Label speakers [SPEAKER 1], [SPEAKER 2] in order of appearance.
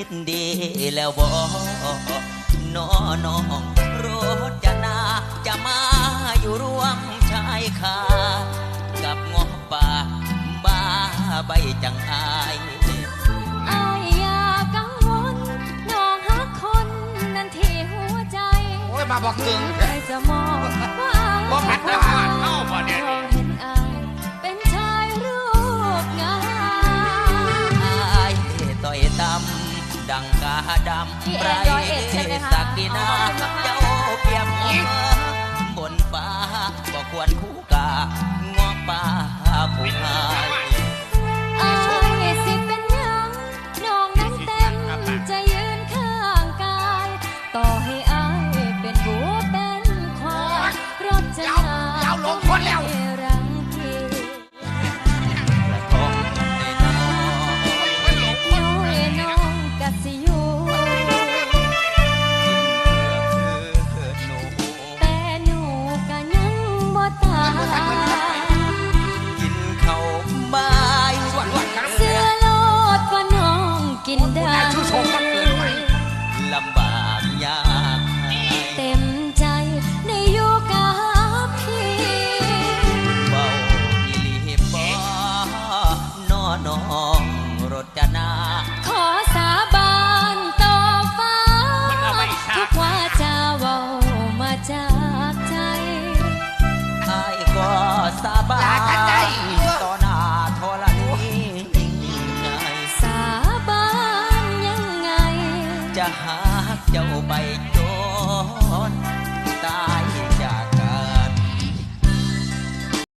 [SPEAKER 1] ดดีแล้วบ่น้อน้องรถจะนาจะมาอยู่ร่วมชายคากับงอป่าบ้าใบจังอาย
[SPEAKER 2] อายอย่ากังวลน้องหาคนนั้นที่หัวใจ
[SPEAKER 3] โอ้ยมาบอกถึง
[SPEAKER 2] ใครจะมองว่า
[SPEAKER 3] บ่หัดได้หาดเข้าบ่เนี่ยนี่
[SPEAKER 2] เห็นอายเป็นชายรูปงาม
[SPEAKER 1] อายต่อยตำดังกาดำไรสักดินาเจ้าเปียบบนฟ้าบ่ควรคู่กางอป่าผู้หาย
[SPEAKER 2] อายสิเป็นหยังน้องนั้นเต็มจะยืนข้างกายต่อให้อายเป็นบัวเป็นควายรบจะนารังที
[SPEAKER 1] ท้อง
[SPEAKER 2] น้องกะสิอยู่แต่หนูกะยังบ่ตาย
[SPEAKER 1] กินข้าวบ่าย
[SPEAKER 2] เสื้อโลดว่าน้องกินได้
[SPEAKER 1] ลำบากยาก
[SPEAKER 2] เต็มใจได้อยู่กับพี่
[SPEAKER 1] เบาอีหลีบ่น้อน้อง